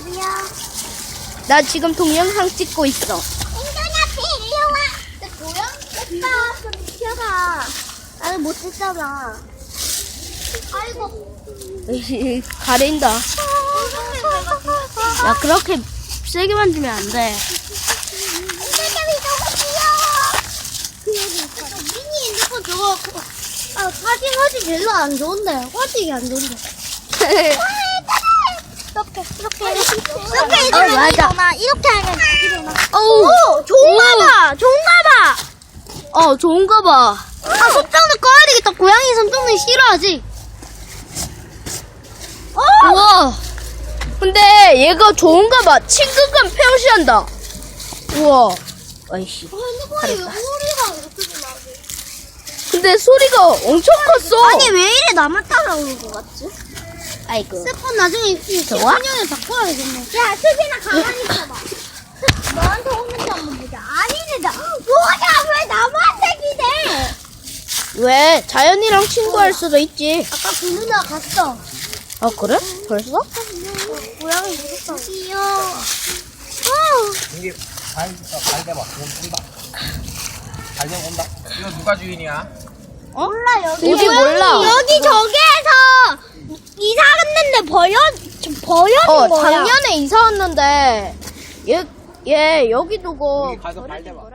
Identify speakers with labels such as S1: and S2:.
S1: 여기요.
S2: 나 지금 동영상 찍고 있어.
S1: 인간아, 일로 와. 내 고양이 오빠 좀 비켜봐. 나는 못 듣잖아. 아이고.
S2: 가린다. 야, 그렇게 세게 만지면 안 돼.
S1: 인간이 너무 귀여워. 미니 핸드폰 저거 사진 별로 안 좋은데. 화질이 안 좋은데. 이렇게
S2: 어, 맞아.
S1: 이렇게 하면 일어나.
S2: 어우,
S1: 좋은가 봐. 좋은가 봐.
S2: 좋은가 봐.
S1: 아, 손정도 꺼야 되겠다. 고양이 손정도 싫어하지.
S2: 우와. 근데 얘가 좋은가 봐. 친근감 표시한다. 우와. 아이씨.
S1: 핸드폰이 왜 소리가 이렇게 나지?
S2: 근데 소리가 엄청 컸어.
S1: 아니, 왜 이래 나만 따라오는 것 같지?
S2: 아이고.
S1: 스폰 나중에
S2: 좋아?
S1: 10년에 바꿔야겠네. 야, 수진아, 가만히 있어봐. 너한테 오는지 한번 보자. 아니네, 뭐야, 왜 남한테 기대?
S2: 왜? 자연이랑 친구할 수도 있지.
S1: 아까 그 누나 갔어.
S2: 아, 그래? 벌써?
S1: 고양이 무섭다. 귀여워.
S3: 이게 발대봐. 온다. 발대 온다. 이거 누가 주인이야?
S1: 몰라, 여기.
S2: 여기 몰라.
S1: 여기 저기에서 이사 갔는데 버려진 거야.
S2: 작년에 이사 왔는데 얘 여기 두고
S3: 여기 가서 발대봐.